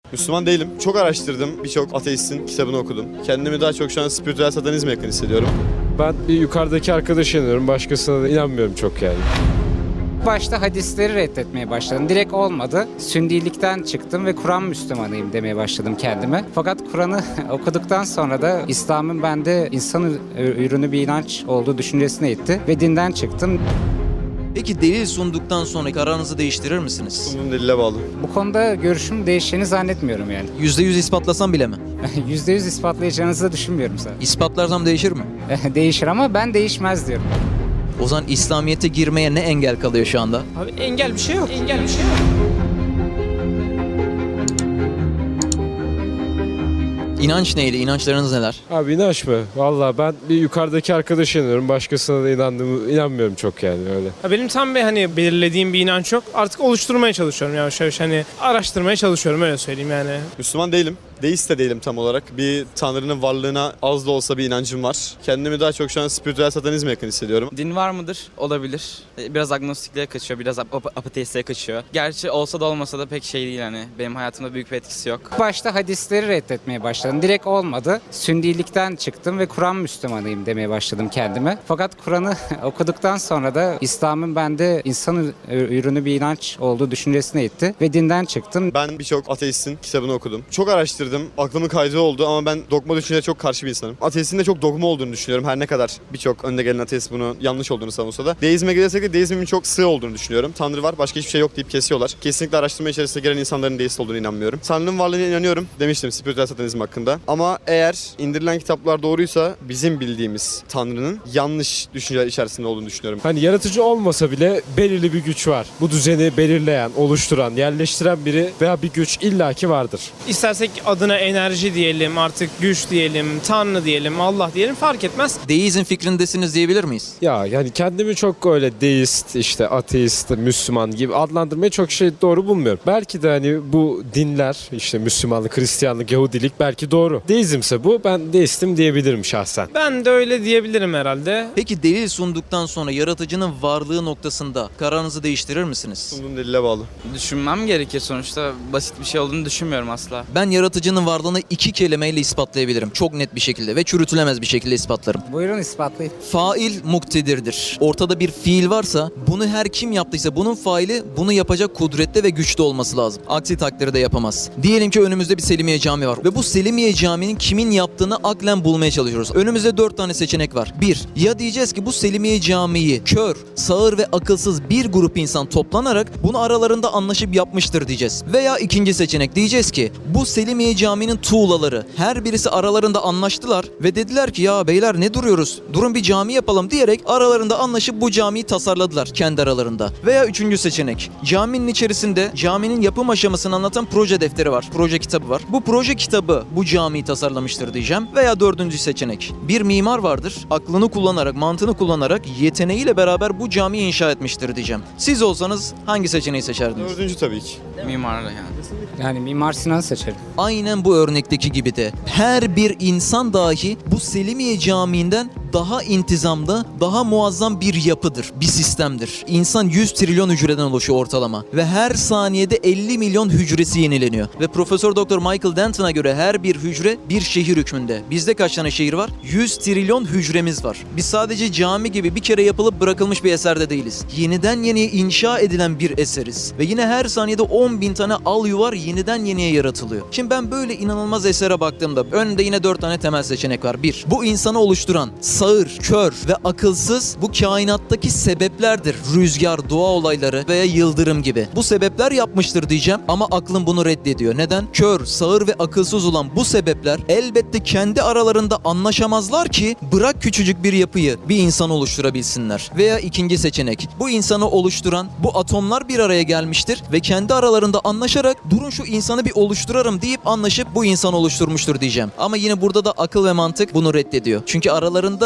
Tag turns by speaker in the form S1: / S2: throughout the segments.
S1: Müslüman değilim. Çok araştırdım. Birçok ateistin kitabını okudum. Kendimi daha çok şu an spiritüel satanizme yakın hissediyorum.
S2: Ben bir yukarıdaki arkadaşa inanıyorum. Başkasına da inanmıyorum çok yani.
S3: Başta hadisleri reddetmeye başladım. Direkt olmadı. Sünnilikten çıktım ve Kur'an Müslümanıyım demeye başladım kendime. Fakat Kur'an'ı okuduktan sonra da İslam'ın bende insan ürünü bir inanç olduğu düşüncesine itti ve dinden çıktım.
S4: Peki delil sunduktan sonra kararınızı değiştirir misiniz?
S1: Bunun delile bağlı.
S3: Bu konuda görüşüm değişeceğini zannetmiyorum yani.
S4: %100 ispatlasam bile mi?
S3: %100 ispatlayacağınızı da düşünmüyorum zaten.
S4: İspatlarsam değişir mi?
S3: Değişir ama ben değişmez diyorum.
S4: O zaman İslamiyet'e girmeye ne engel kalıyor şu anda?
S5: Abi engel bir şey yok. Engel bir şey yok.
S4: İnanç neydi? İnançlarınız neler?
S2: Abi inanç mı? Valla ben bir yukarıdaki arkadaşa inanıyorum. Başkasına da inanmıyorum çok yani öyle.
S5: Ya benim tam bir belirlediğim bir inanç yok. Artık oluşturmaya çalışıyorum yavaş yavaş araştırmaya çalışıyorum öyle söyleyeyim yani.
S1: Müslüman değilim. Deist de değilim tam olarak. Bir tanrının varlığına az da olsa bir inancım var. Kendimi daha çok şu an spiritüel satanizme yakın hissediyorum.
S6: Din var mıdır? Olabilir. Biraz agnostikliğe kaçıyor, biraz ateistliğe kaçıyor. Gerçi olsa da olmasa da pek şey değil yani. Benim hayatımda büyük bir etkisi yok.
S3: Başta hadisleri reddetmeye başladım. Direkt olmadı. Sünnilikten çıktım ve Kur'an Müslümanıyım demeye başladım kendime. Fakat Kur'an'ı okuduktan sonra da İslam'ın bende insan ürünü bir inanç olduğu düşüncesine itti ve dinden çıktım.
S1: Ben birçok ateistin kitabını okudum. Çok araştırdım. Aklımın kaydığı oldu ama ben dogma düşünceye çok karşı bir insanım. Ateistin de çok dogma olduğunu düşünüyorum. Her ne kadar birçok önde gelen ateist bunu yanlış olduğunu savunsa da. Deizme gelirsek de deizmin çok sığ olduğunu düşünüyorum. Tanrı var, başka hiçbir şey yok deyip kesiyorlar. Kesinlikle araştırma içerisine giren insanların deist olduğunu inanmıyorum. Tanrı'nın varlığına inanıyorum demiştim spiritüel satanizm hakkında. Ama eğer indirilen kitaplar doğruysa bizim bildiğimiz Tanrı'nın yanlış düşünceler içerisinde olduğunu düşünüyorum.
S2: Hani yaratıcı olmasa bile belirli bir güç var. Bu düzeni belirleyen, oluşturan, yerleştiren biri veya bir güç illaki vardır.
S5: İstersek adına enerji diyelim, artık güç diyelim, Tanrı diyelim, Allah diyelim fark etmez.
S4: Deizm fikrindesiniz diyebilir miyiz?
S2: Ya yani kendimi çok öyle deist, işte ateist, Müslüman gibi adlandırmayı çok doğru bulmuyorum. Belki de hani bu dinler, işte Müslümanlık, Hristiyanlık, Yahudilik belki doğru. Deizmse bu, ben deistim diyebilirim şahsen.
S5: Ben de öyle diyebilirim herhalde.
S4: Peki delil sunduktan sonra yaratıcının varlığı noktasında kararınızı değiştirir misiniz?
S1: Bunun delile bağlı.
S6: Düşünmem gerekir sonuçta. Basit bir şey olduğunu düşünmüyorum asla.
S4: Ben yaratıcının varlığını 2 kelimeyle ispatlayabilirim. Çok net bir şekilde ve çürütülemez bir şekilde ispatlarım.
S3: Buyurun ispatlayın.
S4: Fail muktedirdir. Ortada bir fiil varsa bunu her kim yaptıysa bunun faili bunu yapacak kudrette ve güçte olması lazım. Aksi takdirde yapamaz. Diyelim ki önümüzde bir Selimiye Camii var ve bu Selimiye Camii'nin kimin yaptığını aklen bulmaya çalışıyoruz. Önümüzde 4 tane seçenek var. 1. Ya diyeceğiz ki bu Selimiye Camii'yi kör, sağır ve akılsız bir grup insan toplanarak bunu aralarında anlaşıp yapmıştır diyeceğiz. Veya ikinci seçenek diyeceğiz ki bu Selimiye Camii'nin tuğlaları her birisi aralarında anlaştılar ve dediler ki ya beyler ne duruyoruz? Durun bir cami yapalım diyerek aralarında anlaşıp bu camiyi tasarladılar kendi aralarında. Veya üçüncü seçenek. Caminin içerisinde caminin yapım aşamasını anlatan proje defteri var. Proje kitabı var. Bu proje kitabı bu camiyi tasarlamıştır diyeceğim. Veya dördüncü seçenek. Bir mimar vardır. Aklını kullanarak, mantığını kullanarak yeteneğiyle beraber bu camiyi inşa etmiştir diyeceğim. Siz olsanız hangi seçeneği seçerdiniz?
S1: Dördüncü tabii ki.
S6: Mimarla yani.
S3: Yani Mimar Sinan'ı seçerim.
S4: Aynen bu örnekteki gibi de her bir insan dahi bu Selimiye Camii'nden daha intizamlı, daha muazzam bir yapıdır, bir sistemdir. İnsan 100 trilyon hücreden oluşuyor ortalama ve her saniyede 50 milyon hücresi yenileniyor. Ve Profesör Doktor Michael Denton'a göre her bir hücre bir şehir hükmünde. Bizde kaç tane şehir var? 100 trilyon hücremiz var. Biz sadece cami gibi bir kere yapılıp bırakılmış bir eserde değiliz. Yeniden yeniye inşa edilen bir eseriz. Ve yine her saniyede 10 bin tane al yuvar yeniden yeniye yaratılıyor. Şimdi ben böyle inanılmaz esere baktığımda önümde yine 4 tane temel seçenek var. 1. Bu insanı oluşturan sağır, kör ve akılsız bu kainattaki sebeplerdir. Rüzgar, doğa olayları veya yıldırım gibi. Bu sebepler yapmıştır diyeceğim ama aklım bunu reddediyor. Neden? Kör, sağır ve akılsız olan bu sebepler elbette kendi aralarında anlaşamazlar ki bırak küçücük bir yapıyı bir insan oluşturabilsinler. Veya ikinci seçenek. Bu insanı oluşturan bu atomlar bir araya gelmiştir ve kendi aralarında anlaşarak durun şu insanı bir oluşturarım deyip anlaşıp bu insanı oluşturmuştur diyeceğim. Ama yine burada da akıl ve mantık bunu reddediyor. Çünkü aralarında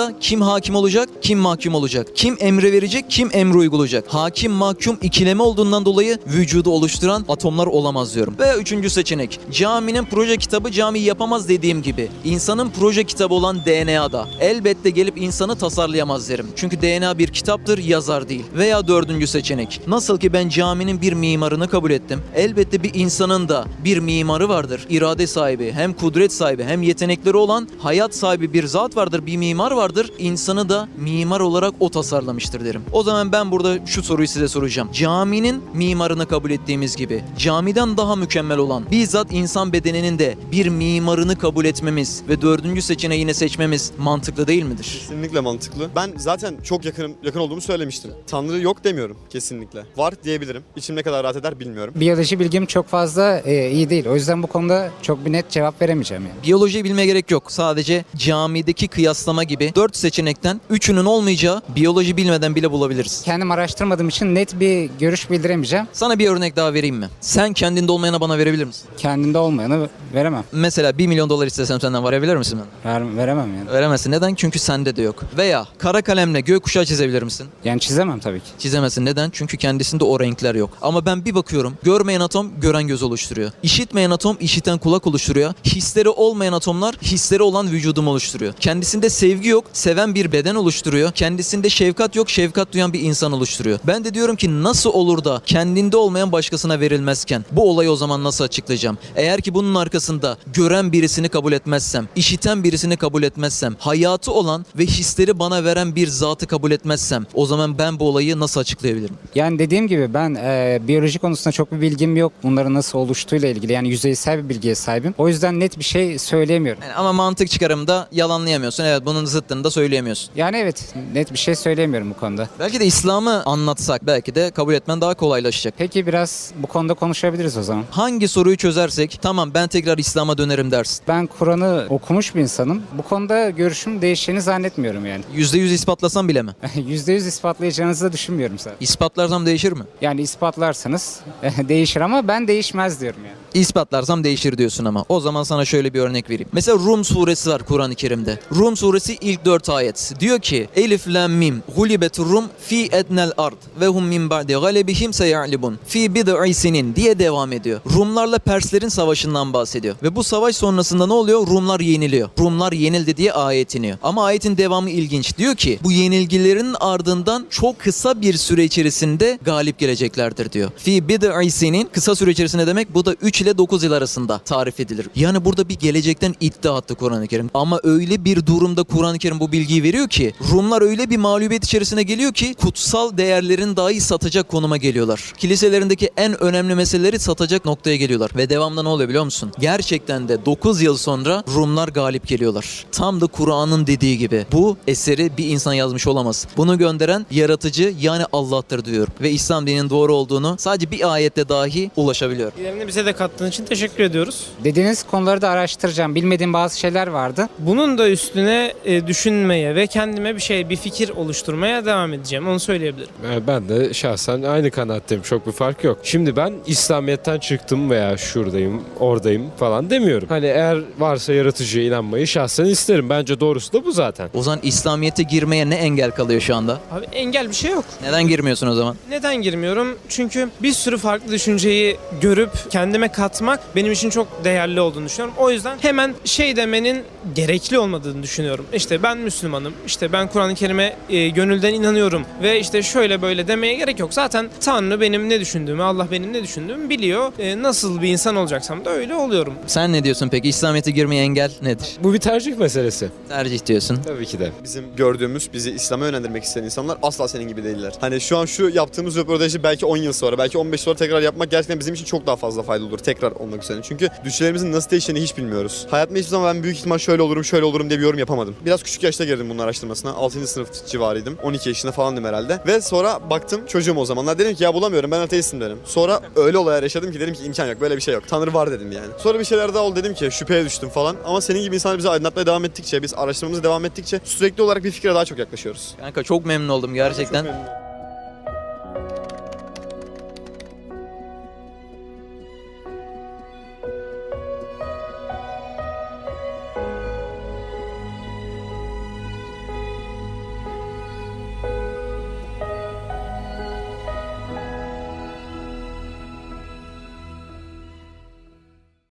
S4: dünyada kim hakim olacak, kim mahkum olacak? Kim emre verecek, kim emri uygulayacak? Hakim mahkum ikileme olduğundan dolayı vücudu oluşturan atomlar olamaz diyorum. Ve üçüncü seçenek. Caminin proje kitabı camiyi yapamaz dediğim gibi. İnsanın proje kitabı olan DNA'da elbette gelip insanı tasarlayamaz derim. Çünkü DNA bir kitaptır, yazar değil. Veya dördüncü seçenek. Nasıl ki ben caminin bir mimarını kabul ettim. Elbette bir insanın da bir mimarı vardır. İrade sahibi, hem kudret sahibi, hem yetenekleri olan hayat sahibi bir zat vardır, bir mimar vardır. İnsanı da mimar olarak o tasarlamıştır derim. O zaman ben burada şu soruyu size soracağım. Caminin mimarını kabul ettiğimiz gibi camiden daha mükemmel olan bizzat insan bedeninin de bir mimarını kabul etmemiz ve dördüncü seçeneği yine seçmemiz mantıklı değil midir?
S1: Kesinlikle mantıklı. Ben zaten çok yakın olduğumu söylemiştim. Tanrı yok demiyorum kesinlikle. Var diyebilirim. İçim ne kadar rahat eder bilmiyorum.
S3: Biyoloji bilgim çok fazla iyi değil. O yüzden bu konuda çok bir net cevap veremeyeceğim yani.
S4: Biyolojiyi bilmeye gerek yok. Sadece camideki kıyaslama gibi 4 seçenekten 3'ünün olmayacağı biyoloji bilmeden bile bulabiliriz.
S3: Kendim araştırmadığım için net bir görüş bildiremeyeceğim.
S4: Sana bir örnek daha vereyim mi? Sen kendinde olmayana bana verebilir misin?
S3: Kendimde olmayanı veremem.
S4: Mesela $1 milyon istesem senden verebilir misin bana?
S3: Veremem yani.
S4: Veremezsin. Neden? Çünkü sende de yok. Veya kara kalemle gökkuşağı çizebilir misin?
S3: Yani çizemem tabii ki.
S4: Çizemezsin. Neden? Çünkü kendisinde o renkler yok. Ama ben bir bakıyorum. Görmeyen atom gören göz oluşturuyor. İşitmeyen atom işiten kulak oluşturuyor. Hisleri olmayan atomlar hisleri olan vücudumu oluşturuyor. Kendisinde sevgi yok, seven bir beden oluşturuyor. Kendisinde şefkat yok, şefkat duyan bir insan oluşturuyor. Ben de diyorum ki nasıl olur da kendinde olmayan başkasına verilmezken bu olayı o zaman nasıl açıklayacağım? Eğer ki bunun arkasında gören birisini kabul etmezsem, işiten birisini kabul etmezsem, hayatı olan ve hisleri bana veren bir zatı kabul etmezsem o zaman ben bu olayı nasıl açıklayabilirim?
S3: Yani dediğim gibi ben biyoloji konusunda çok bir bilgim yok. Bunların nasıl oluştuğuyla ilgili yani yüzeysel bir bilgiye sahibim. O yüzden net bir şey söyleyemiyorum.
S4: Yani ama mantık çıkarımda yalanlayamıyorsun. Evet, bunun zıttını da söyleyemiyorsun.
S3: Yani evet, net bir şey söyleyemiyorum bu konuda.
S4: Belki de İslam'ı anlatsak belki de kabul etmen daha kolaylaşacak.
S3: Peki biraz bu konuda konuşabiliriz o zaman.
S4: Hangi soruyu çözersek tamam ben tekrar İslam'a dönerim dersin.
S3: Ben Kur'an'ı okumuş bir insanım. Bu konuda görüşüm değişeceğini zannetmiyorum yani.
S4: %100 ispatlasam bile mi?
S3: %100 ispatlayacağınızı da düşünmüyorum zaten.
S4: İspatlarsam değişir mi?
S3: Yani ispatlarsanız değişir ama ben değişmez diyorum yani.
S4: İspatlarsam değişir diyorsun ama. O zaman sana şöyle bir örnek vereyim. Mesela Rum suresi var Kur'an-ı Kerim'de. Rum suresi ilk 4 ayet. Diyor ki Elif lam mim gulibetur rum fi ednel ard ve hum min ba'di galebihim seya'libun fi bid'i sinin diye devam ediyor. Rumlarla Perslerin savaşından bahsediyor. Ve bu savaş sonrasında ne oluyor? Rumlar yeniliyor. Rumlar yenildi diye ayet iniyor. Ama ayetin devamı ilginç. Diyor ki bu yenilgilerin ardından çok kısa bir süre içerisinde galip geleceklerdir diyor. Fi bid'i sinin kısa süre içerisinde demek bu da 3 ile 9 yıl arasında tarif edilir. Yani burada bir gelecekten iddia attı Kur'an-ı Kerim. Ama öyle bir durumda Kur'an-ı Kerim bu bilgiyi veriyor ki Rumlar öyle bir mağlubiyet içerisine geliyor ki kutsal değerlerin dahi satacak konuma geliyorlar. Kiliselerindeki en önemli meseleleri satacak noktaya geliyorlar. Ve devamında ne oluyor biliyor musun? Gerçekten de 9 yıl sonra Rumlar galip geliyorlar. Tam da Kur'an'ın dediği gibi. Bu eseri bir insan yazmış olamaz. Bunu gönderen yaratıcı yani Allah'tır diyor. Ve İslam dininin doğru olduğunu sadece bir ayette dahi ulaşabiliyor.
S5: İlerini bize de kattığın için teşekkür ediyoruz.
S3: Dediğiniz konuları da araştıracağım. Bilmediğim bazı şeyler vardı.
S5: Bunun da üstüne düşünmeye ve kendime bir fikir oluşturmaya devam edeceğim. Onu söyleyebilirim.
S2: Ben de şahsen aynı kanaatteyim. Çok bir fark yok. Şimdi ben İslamiyet'ten çıktım veya şuradayım, oradayım falan demiyorum. Hani eğer varsa yaratıcıya inanmayı şahsen isterim. Bence doğrusu da bu zaten.
S4: O zaman İslamiyet'e girmeye ne engel kalıyor şu anda?
S5: Abi engel bir şey yok.
S4: Neden girmiyorsun o zaman?
S5: Neden girmiyorum? Çünkü bir sürü farklı düşünceyi görüp kendime katmak benim için çok değerli olduğunu düşünüyorum. O yüzden hemen demenin gerekli olmadığını düşünüyorum. İşte ben Müslümanım, işte ben Kur'an-ı Kerim'e gönülden inanıyorum ve işte şöyle böyle demeye gerek yok. Zaten Tanrı benim ne düşündüğümü, Allah benim ne düşündüğümü biliyor. Nasıl bir insan olacaksam da öyle oluyorum.
S4: Sen ne diyorsun peki? İslamiyet'e girmeye engel nedir?
S2: Bu bir tercih meselesi.
S4: Tercih diyorsun.
S2: Tabii ki de.
S1: Bizim gördüğümüz, bizi İslam'a yönlendirmek isteyen insanlar asla senin gibi değiller. Hani şu an şu yaptığımız röportajı belki 10 yıl sonra, belki 15 sonra tekrar yapmak gerçekten bizim için çok daha fazla faydalı olur. Tekrar olmak üzere. Çünkü düşüncelerimizin nasıl değiştiğini hiç bilmiyoruz. Hayatımda hiçbir zaman ben büyük ihtimal şöyle olurum diye bir yorum yapamadım. Biraz küçük yaşta girdim bunun araştırmasına. 6. sınıf civarıydım. 12 yaşında falandım herhalde. Ve sonra baktım çocuğum o zamanlar. Dedim ki ya bulamıyorum, ben ateistim dedim. Sonra öyle olaylar yaşadım ki dedim ki imkan yok, böyle bir şey yok. Tanrı var dedim yani. Sonra bir şeyler daha oldu, dedim ki şüpheye düştüm falan. Ama senin gibi insanlar bizi aydınlatmaya devam ettikçe, biz araştırmamıza devam ettikçe sürekli olarak bir fikre daha çok yaklaşıyoruz.
S4: Kanka çok memnun oldum gerçekten.
S1: Çok memnunum.